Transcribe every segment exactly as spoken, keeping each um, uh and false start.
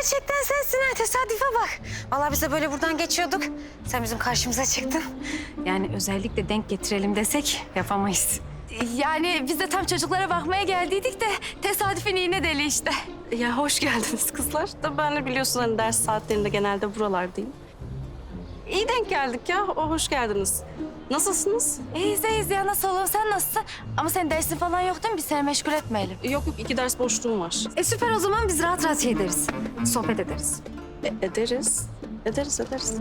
gerçekten sensin ha. Tesadüfe bak. Vallahi biz de böyle buradan geçiyorduk. Sen bizim karşımıza çıktın. Yani özellikle denk getirelim desek yapamayız. Yani biz de tam çocuklara bakmaya geldiydik de tesadüfün iğne deli işte. Ya hoş geldiniz kızlar. Da ben de biliyorsun hani ders saatlerinde genelde buralardayım. İyi denk geldik ya. O hoş geldiniz. Nasılsınız? İyiyiz iyiyiz ya, nasıl olalım, sen nasılsın? Ama senin dersin falan yok değil mi? Biz seni meşgul etmeyelim. Yok yok iki ders boşluğum var. E süper, o zaman biz rahat rahat şey ederiz. Sohbet ederiz. E, ederiz. Ederiz ederiz.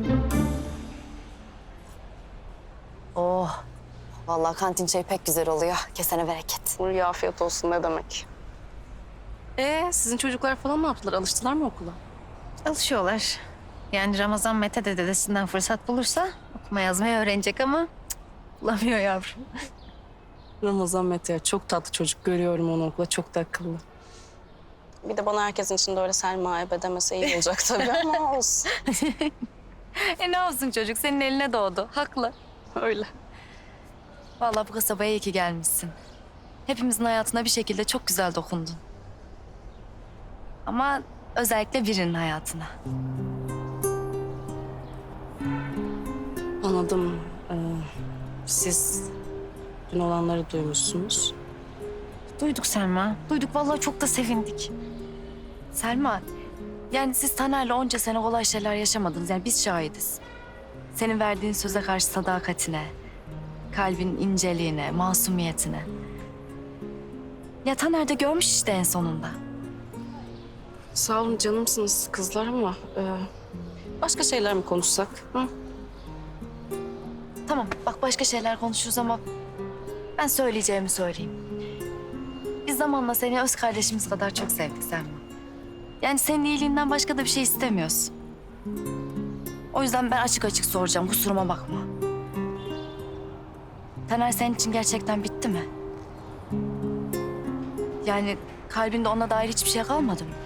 Oh, vallahi kantin çayı pek güzel oluyor. Kesene bereket. Buraya afiyet olsun ne demek. Ee sizin çocuklar falan ne yaptılar? Alıştılar mı okula? Alışıyorlar. Yani Ramazan Mete de dedesinden fırsat bulursa okuma yazmayı öğrenecek ama cık, bulamıyor yavrum. Ramazan Mete çok tatlı çocuk. Görüyorum onu okula. Çok da akıllı. Bir de bana herkesin içinde öyle Selma ebe demese iyi olacak tabii ama olsun. E ne yapsın çocuk? Senin eline doğdu. Haklı. Öyle. Vallahi bu kasabaya iyi ki gelmişsin. Hepimizin hayatına bir şekilde çok güzel dokundun. Ama özellikle birinin hayatına. Anladım. Ee, siz dün olanları duymuşsunuz. Duyduk Selma. Duyduk, vallahi çok da sevindik. Selma, yani siz Taner'le onca sene kolay şeyler yaşamadınız. Yani biz şahidiz. Senin verdiğin söze karşı sadakatine, kalbin inceliğine, masumiyetine. Ya Taner de görmüş işte en sonunda. Sağ olun canımsınız kızlar ama... E, başka şeyler mi konuşsak? Hı? Tamam, bak başka şeyler konuşuruz ama ben söyleyeceğimi söyleyeyim. Biz zamanla seni öz kardeşimiz kadar çok sevdik Selma. Yani senin iyiliğinden başka da bir şey istemiyoruz. O yüzden ben açık açık soracağım, kusuruma bakma. Taner senin için gerçekten bitti mi? Yani kalbinde ona dair hiçbir şey kalmadı mı?